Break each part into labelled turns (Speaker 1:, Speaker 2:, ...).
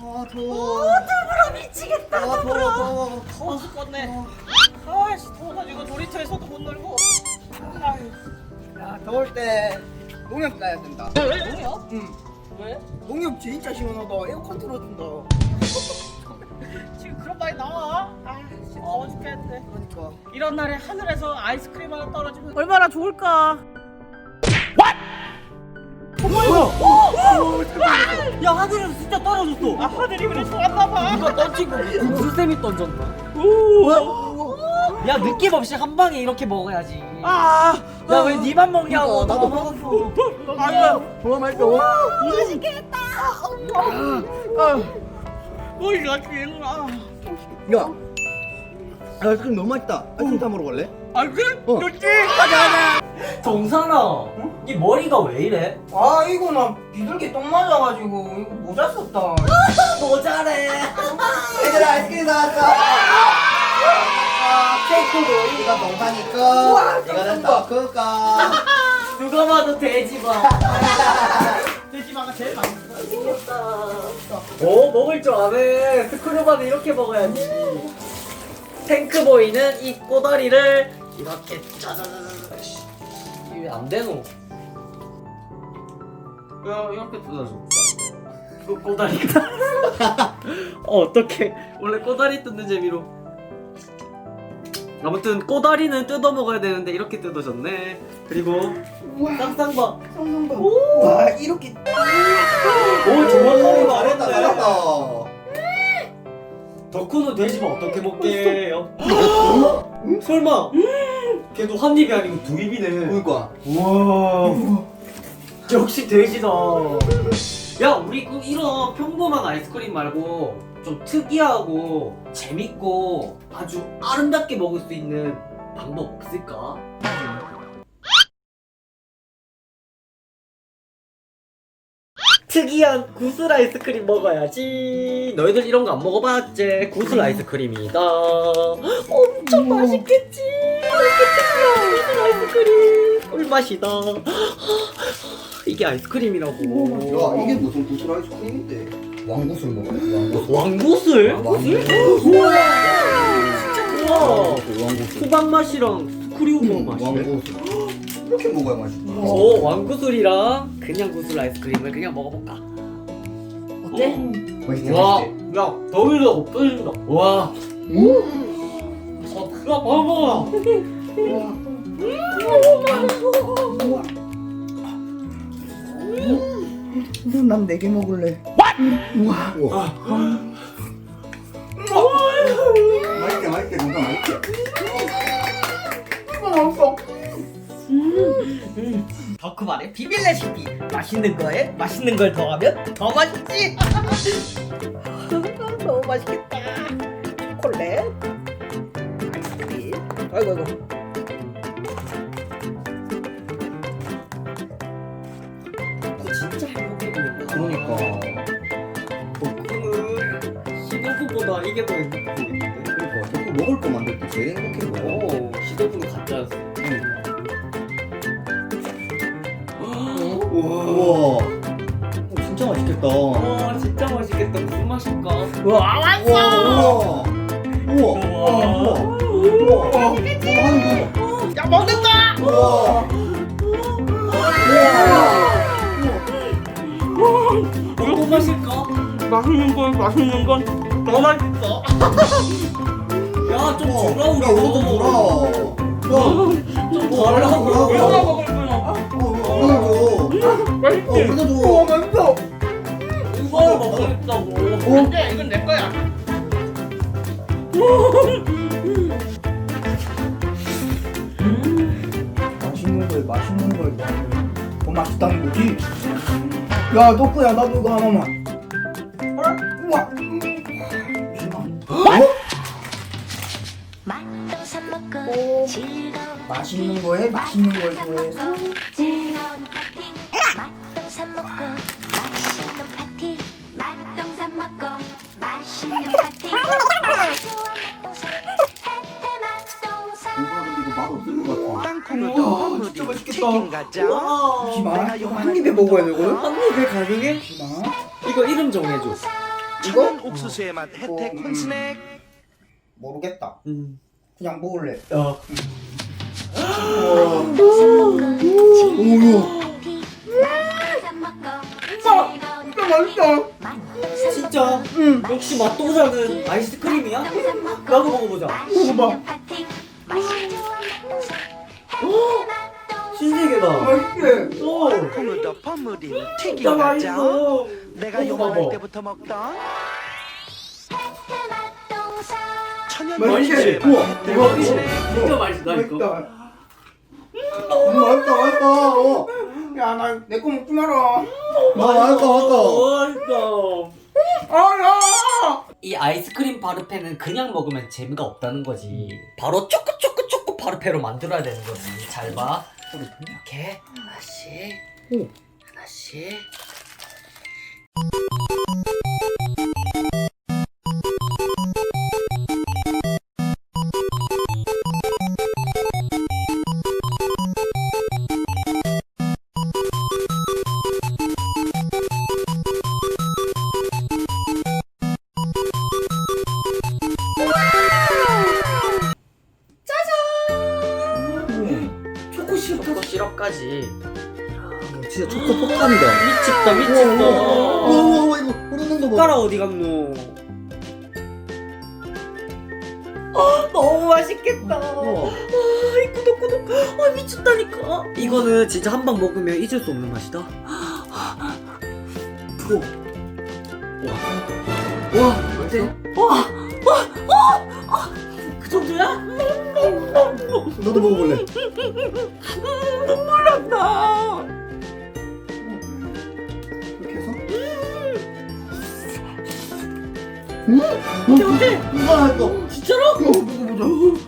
Speaker 1: 아 더워.
Speaker 2: 더불어 미치겠다.
Speaker 1: 아 더워.
Speaker 2: 더워 죽겠네. 아이씨 더워가지고 놀이터에서도 못 놀고. 아유.
Speaker 1: 야 더울 때 농협 가야 된다.
Speaker 2: 뭐야?
Speaker 1: 응.
Speaker 2: 왜?
Speaker 1: 농협 진짜 시원하다. 에어컨 틀어준다.
Speaker 2: 지금 그런 말이 나와? 아 진짜 더워 죽겠는데.
Speaker 1: 그러니까.
Speaker 2: 이런 날에 하늘에서 아이스크림 하나 떨어지면 얼마나 좋을까?
Speaker 3: 야 하늘에서 진짜 떨어졌어.
Speaker 2: 아 하늘이 그래 좋았나봐.
Speaker 3: 누가 던진 거 구슬쌤이 던졌나? 야 느낌 없이 한 방에 이렇게 먹어야지.
Speaker 2: 아,
Speaker 3: 야 왜 니만 먹냐고.
Speaker 1: 나도
Speaker 3: 먹었어.
Speaker 2: 아유,
Speaker 1: 좋아 맛있다. 와.
Speaker 2: 맛있겠다. 뭘 이렇게 아,
Speaker 1: 야. 아이스크림 너무 맛있다. 아이스크림 사 먹으러 갈래?
Speaker 2: 아이스크림
Speaker 1: 어.
Speaker 2: 좋지. 가자.
Speaker 3: 정산아, 네 머리가 왜 이래?
Speaker 1: 아 이거 나 비둘기 똥 맞아가지고 이거 모자 썼다.
Speaker 3: 모자래.
Speaker 1: 얘들아 아이스크림 나왔어. 케이크도 우리가 동사니까 이거는 더 클까.
Speaker 3: 누가 봐도 돼지봐.
Speaker 2: 돼지마가 제일 맛있어.
Speaker 3: 오 먹을 줄 아네. 스크류바는 이렇게 먹어야지. 탱크보이는 이 꼬다리를 이렇게 짜자자자. 이게 안 되노? 야 이렇게 뜯어줘. 이거 꼬다리가. 어떡해. 원래 꼬다리 뜯는 재미로. 아무튼 꼬다리는 뜯어 먹어야 되는데 이렇게 뜯어졌네. 그리고 쌍쌍바.
Speaker 1: 쌍쌍바.
Speaker 3: 오.
Speaker 1: 와 이렇게.
Speaker 3: 오 정확하게
Speaker 1: 잘했다
Speaker 3: 말했네.
Speaker 1: 잘했다.
Speaker 3: 덕후는 돼지만 어떻게 먹게요? 설마 걔도 한 입이 아니고 두 입이네.
Speaker 1: 그러니까.
Speaker 3: 우와 역시 돼지다. 야 우리 그 이런 평범한 아이스크림 말고 좀 특이하고 재밌고 아주 아름답게 먹을 수 있는 방법 없을까? 특이한 구슬 아이스크림 먹어야지. 너희들 이런 거 안 먹어봤지? 구슬 아이스크림이다. 엄청 맛있겠지? 구슬 아이스크림 꿀맛이다. 이게 아이스크림이라고.
Speaker 1: 야 이게 무슨 구슬 아이스크림인데? 왕구슬 먹어야지.
Speaker 3: 왕구슬?
Speaker 1: 왕구슬?
Speaker 3: 진짜 우와.
Speaker 1: 왕구슬.
Speaker 3: 수박 맛이랑 스크류버 맛이네.
Speaker 1: 왕구슬. 이렇게 먹어야 맛있다.
Speaker 3: 오 왕구슬이랑 그냥 구슬 아이스크림을 그냥 먹어볼까? 어때?
Speaker 1: 맛있지
Speaker 3: 와,
Speaker 1: 맛있지.
Speaker 3: 야 더위가 없어진다. 와, 그가 먹어.
Speaker 1: 난 4개 먹을래. 우와. 우와. 맛있게 맛있게 뭔가 맛있게. 맛있어.
Speaker 2: 덕후 말의 비밀 레시피. 맛있는 거에 맛있는 걸 더하면 더 맛있지. 너무 맛있겠다. 초콜릿, 아이스크림. 아이고.
Speaker 3: 진짜 행복해지겠다.
Speaker 1: 그러니까.
Speaker 3: 덕후는 시도부보다 이게 더 행복해 보이는데.
Speaker 1: 그러니까 자꾸 먹을 거 만들 때 제일 행복해 보여.
Speaker 3: 오, 시도부는 가짜였어.
Speaker 1: 우와. 진짜 맛있겠다.
Speaker 3: 와, 진짜 맛있겠다. 무슨 맛일까?
Speaker 2: 와 왔어.
Speaker 1: 우와. 우와. 우와. 우와. 우와.
Speaker 2: 야 먹는다.
Speaker 1: 우와.
Speaker 3: 무슨 맛일까?
Speaker 2: 맛있는 건 더 맛있어.
Speaker 3: 야, 좀
Speaker 1: 야,
Speaker 3: 주라 우리.
Speaker 1: 너도 줘라.
Speaker 3: 좀 달라고.
Speaker 2: 얼마나 먹을 거야?
Speaker 1: 맛있지? 줘. 맛있어.
Speaker 3: 이거 먹겠다고.
Speaker 2: 안돼, 이건 내 거야.
Speaker 1: 맛있는 걸 맛있는 걸 먹으면 더 맛있다는 거지? 야 덕구야 나도 이거 하나만. 우와.
Speaker 4: 맛도 사 먹고 즐거운
Speaker 1: 맛있는 거에 맛있는 걸 좋아해서.
Speaker 4: 즐거운 파티 맛도 사 먹고 맛있는 파티 맛도 사 먹고 맛있는 파티 좋아 맛동산 혜태 맛동산
Speaker 1: 이거 맛없을 것 같아.
Speaker 5: 우와,
Speaker 1: 진짜 맛있겠다.
Speaker 5: 치킨 가자.
Speaker 1: 잠시만. 한 입에 먹어야 되거든?
Speaker 3: 한 입에 가능해?
Speaker 1: 잠시만.
Speaker 3: 이거 이름 정해줘.
Speaker 5: 천연 옥수수의 맛 혜택 콘스낵.
Speaker 1: 모르겠다.
Speaker 3: 음.
Speaker 1: 그냥 먹을래.
Speaker 3: 야. 진짜? 역시 맛도사는 아이스크림이야? 나도 먹어보자.
Speaker 1: 먹어봐.
Speaker 3: 신세계다.
Speaker 1: 맛있지?
Speaker 3: 오.
Speaker 5: 콩으로 버무린
Speaker 3: 진짜
Speaker 5: 튀김 과자.
Speaker 3: 맛있어.
Speaker 5: 내가
Speaker 3: 먹어봐.
Speaker 5: 영어할 때부터 먹던 천연
Speaker 1: 맛있지?
Speaker 5: 옥수수의 맛
Speaker 1: 우와,
Speaker 5: 혜택
Speaker 1: 우와,
Speaker 5: 콘스낵.
Speaker 3: 진짜 맛있다 이거.
Speaker 1: 맛있다. 맛있다. 어. 야, 나 내 거 먹지 마라. 맛있다.
Speaker 3: 맛있다.
Speaker 1: 아, 야!
Speaker 3: 이 아이스크림 바르페는 그냥 먹으면 재미가 없다는 거지. 바로 초코 바르페로 만들어야 되는 거지. 잘 봐. 이렇게 하나씩, 하나씩. 초코 시럽까지.
Speaker 1: 진짜 초코 폭탄이다.
Speaker 3: 미쳤다 미쳤다.
Speaker 1: 우와, 이거 흐르는 거 봐.
Speaker 3: 숟가락 어디 갔노? 너무 맛있겠다. 이 꾸덕꾸덕. 미쳤다니까. 이거는 진짜 한 방 먹으면 잊을 수 없는 맛이다. 와, 어때? 그 정도야?
Speaker 1: 너도 먹어볼래?
Speaker 3: 눈물 난다.
Speaker 1: 이렇게 해서?
Speaker 3: 어때?
Speaker 1: 이거 맛있어.
Speaker 3: 진짜로?
Speaker 1: 먹어보자.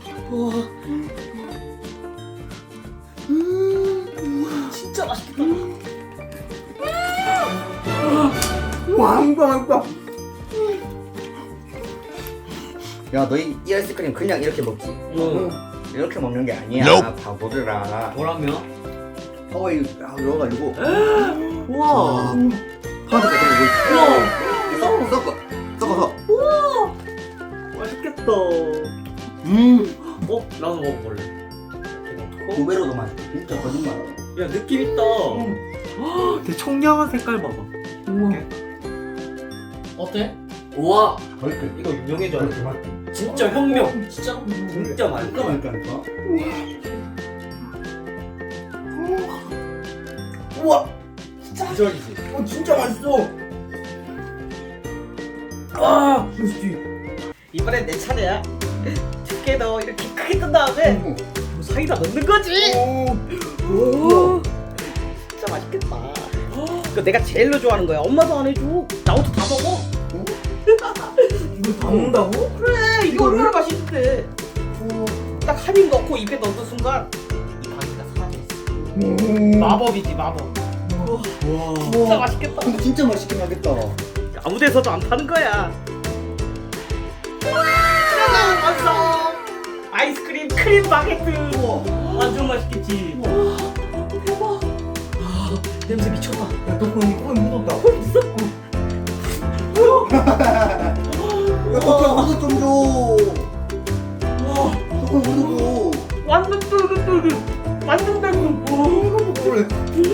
Speaker 3: 진짜 맛있겠다.
Speaker 1: 와, 이거 맛있다.
Speaker 6: 야, 너 이 아이스크림 그냥 이렇게 먹지? 이렇게 먹는 게 아니야. 바보들아.
Speaker 3: 뭐라며?
Speaker 6: 하와이 넣어가지고
Speaker 3: 우와.
Speaker 6: 파란색 같은 거
Speaker 3: 우와.
Speaker 6: 섞어.
Speaker 3: 맛있겠다. 나도 먹어볼래. 이렇게 넣고.
Speaker 6: 두 배로 더 맛있어. 진짜 거짓말.
Speaker 3: 야, 느낌 있다. 되게 청량한 색깔 봐봐. 어때? 우와.
Speaker 6: 그렇게
Speaker 3: 이거 유명해져.
Speaker 6: 그렇게 맛있어.
Speaker 3: 진짜 혁명. 진짜 맛있다.
Speaker 6: 맛있다니까.
Speaker 1: 우와,
Speaker 3: 기절이지.
Speaker 1: 진짜 맛있어. 맛있지?
Speaker 3: 이번엔 내 차례야. 두께도 이렇게 크게 뜬 다음에 사이다 넣는 거지.
Speaker 1: 오.
Speaker 3: 진짜 맛있겠다. 이거 내가 제일로 좋아하는 거야. 엄마도 안 해줘. 나 혼자 다 먹어.
Speaker 1: 이걸 다 먹는다고?
Speaker 3: 그래, 이거 얼마나 맛있는데. 딱 한 입 넣고 입에 넣는 순간 이 바퀴가 사라졌어. 마법이지 마법. 진짜 맛있겠다.
Speaker 6: 근데 진짜 맛있긴 하겠다.
Speaker 3: 아무 데서도 안 파는 거야. 짜잔, 완성! 아이스크림 크림 바게트. 완전 맛있겠지. 대박. 냄새 미쳤다.
Speaker 1: 야, 너 그럼 코에 묻었다.
Speaker 6: 야, 너 그냥 좀 줘. 조금 묻어줘.
Speaker 3: 완전 쫄깃쫄깃. 완전 달콤.
Speaker 1: 그래.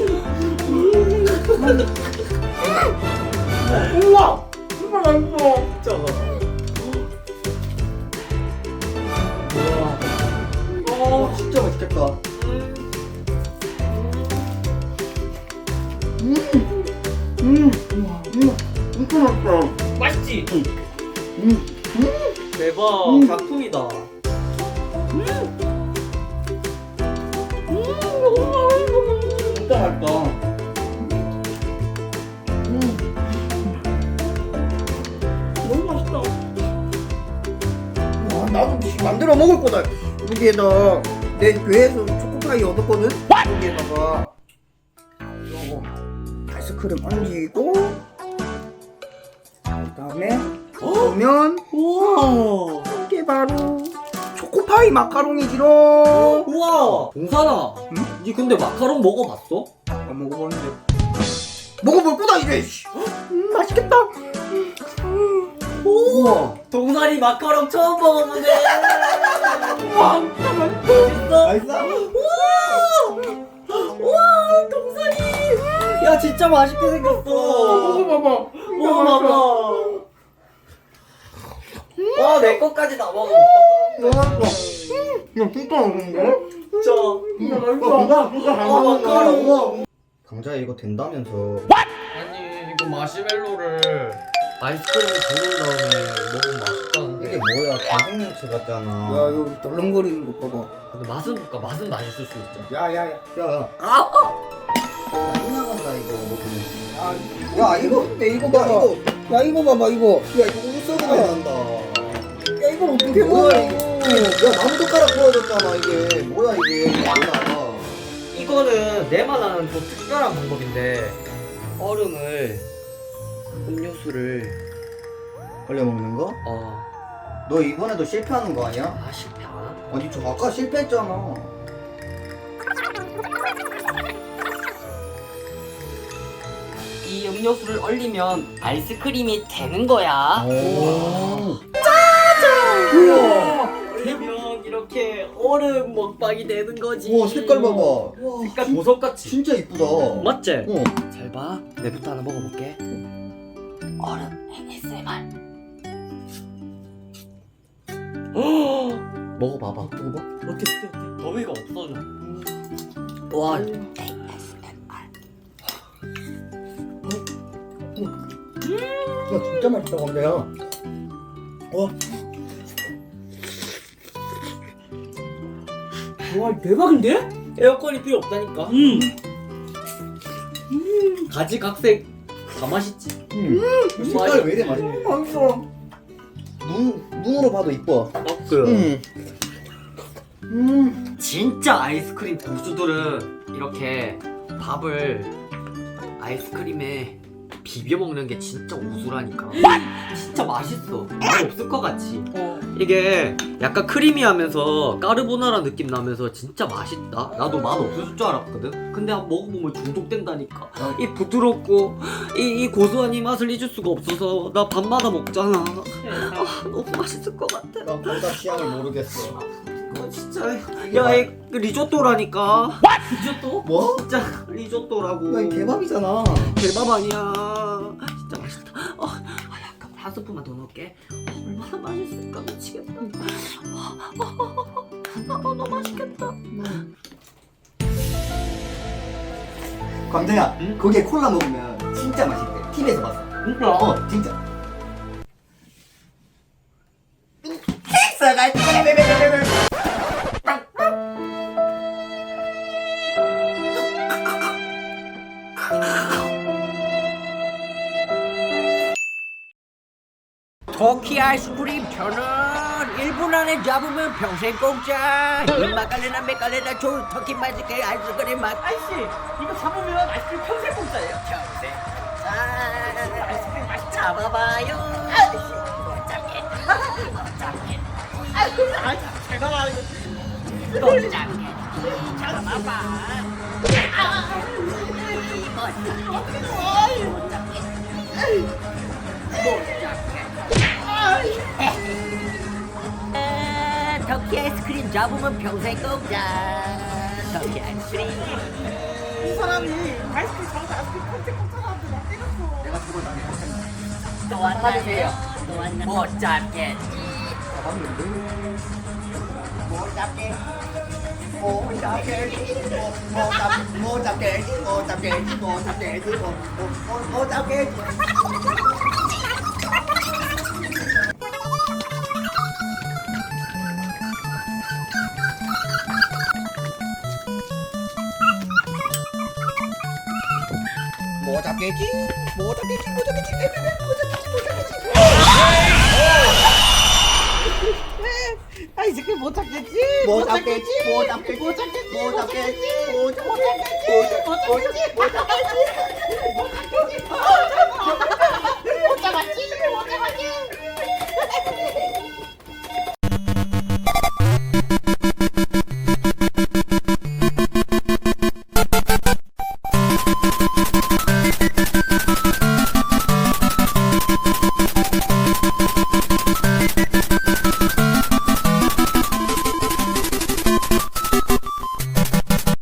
Speaker 3: 우와. 정말 맛있어. 진짜. 우와.
Speaker 6: 진짜 맛있겠다.
Speaker 1: 진짜 맛있다.
Speaker 3: 맛있지? 대박. 작품이다.
Speaker 6: 진짜 맛있다.
Speaker 3: 너무 맛있다.
Speaker 1: 와, 나도 만들어 먹을 거다. 여기에다 내 교회에서 초코파이 얻었거든. 여기에다가 요거 아이스크림 얹이고 그다음에 보면
Speaker 3: 우와.
Speaker 1: 이게 바로 초코파이 마카롱이지롱.
Speaker 3: 우와. 봉산아. 니 근데 마카롱 먹어봤어?
Speaker 1: 안 먹어봤는데 먹어볼 거다 이제. 맛있겠다. 우와.
Speaker 3: 동사리 마카롱 처음 먹어보네. 와, 맛있어?
Speaker 1: 맛있어?
Speaker 3: 와, 동사리. 야, 진짜 맛있게 생겼어.
Speaker 1: 먹어봐봐.
Speaker 3: 먹어봐봐. 와, 내 것까지 다 먹어.
Speaker 1: 야, 진짜 맛있는데?
Speaker 3: 진짜.
Speaker 1: 진짜 맛있어. 진짜
Speaker 3: 마카롱.
Speaker 6: 강자야 이거 된다면서.
Speaker 3: 아니, 이거 마시멜로를 아이스크림에 두른 다음에 먹으면 맛있다는데.
Speaker 6: 이게 뭐야? 강생명체 같잖아.
Speaker 1: 야, 이거 덜렁거리는 거 봐봐.
Speaker 3: 근데 맛은 볼까? 맛은 맛있을 수 있죠.
Speaker 1: 야야야.
Speaker 6: 야,
Speaker 3: 아!
Speaker 6: 끝나간다 이거.
Speaker 1: 야 이거 근데 이거 봐봐. 야 이거 봐봐 이거.
Speaker 6: 야 이거 우석이 난다.
Speaker 1: 야 이걸 어떻게 먹어?
Speaker 6: 뭐야 이게? 야 나무젓가락 부러졌잖아 이게. 뭐야 이게? 뭐야?
Speaker 3: 이거는 내만 아는 또 특별한 방법인데 얼음을 음료수를
Speaker 6: 걸려 먹는 거? 너 이번에도 실패하는 거 아니야?
Speaker 3: 실패 안 하나?
Speaker 6: 아니 저 아까 실패했잖아.
Speaker 3: 이 음료수를 얼리면 아이스크림이 되는 거야.
Speaker 6: 오.
Speaker 3: 그러면 이렇게 얼음 먹방이 되는 거지.
Speaker 6: 우와 색깔 봐봐.
Speaker 3: 색깔 보석같이.
Speaker 6: 진짜 이쁘다.
Speaker 3: 맞지?
Speaker 6: 어.
Speaker 3: 잘 봐. 내부터 하나 먹어볼게. 얼음 ASMR. 먹어봐봐.
Speaker 6: 먹어봐.
Speaker 3: 어때? 더위가 없어져. 와.
Speaker 1: 야 진짜 맛있다 근데야.
Speaker 3: 와 대박인데? 에어컨이 필요 없다니까. 가지각색 다 맛있지.
Speaker 6: 색깔 왜 이래 맛있네.
Speaker 1: 맛있어.
Speaker 6: 눈으로 봐도 이뻐.
Speaker 3: 그 진짜 아이스크림 고수들은 이렇게 밥을 아이스크림에 비벼 먹는 게 진짜 우수라니까. 진짜 맛있어. 맛 없을 것 같지. 이게 약간 크리미하면서 까르보나라 느낌 나면서 진짜 맛있다. 나도 맛 없을 줄 알았거든. 근데 한번 먹어보면 중독된다니까. 이 부드럽고 이 고소한 이 맛을 잊을 수가 없어서 나 밤마다 먹잖아. 너무 맛있을 것 같아.
Speaker 6: 난 둘다 취향을 모르겠어.
Speaker 3: 진짜 야, 이 리조또라니까. 리조또?
Speaker 6: 뭐?
Speaker 3: 진짜 리조또라고.
Speaker 6: 야, 이 개밥이잖아.
Speaker 3: 개밥 아니야. 진짜 맛있다. 약간 한 스푼만 더 넣을게. 얼마나 맛있을까 미치겠다. 너무 맛있겠다.
Speaker 6: 광대야,
Speaker 3: 응?
Speaker 6: 거기에 콜라 먹으면 진짜 맛있대. TV에서 봤어.
Speaker 3: 진짜?
Speaker 6: 진짜.
Speaker 7: 터키 아이스크림 1,000원 1분 안에 잡으면 평생 공짜 마카레나 메카레나 좋은 터키 맛있게 아이스크림 맛
Speaker 2: 아이씨 이거 잡으면 아이스크림 평생 공짜예요.
Speaker 7: 평생 아이스크림 맛 잡아봐요 못 잡게
Speaker 2: 제가 말하는 거.
Speaker 7: 못 잡게 잡아봐 터키 아이스크림 잡으면 평생 공짜 터키 아이스크림
Speaker 2: 이 사람이 아이스크림 잡아서 아이스크림 평생 공짜라는데 나 때렸어.
Speaker 7: 또 왔나요? 못 잡겠지
Speaker 6: 못 잡게. 못 잡게. 못 잡게. 못 잡게. 못 잡게. 못 잡게. 못 잡겠지? 못 잡겠지? 못 잡겠지? 못 잡겠지?
Speaker 2: 아이스크림 못 잡겠지?
Speaker 6: 못 잡겠지? 못 잡겠지? 못 잡겠지? 못 잡겠지? 못 잡겠지? 못 잡겠지? 못 잡겠지? 못 잡겠지?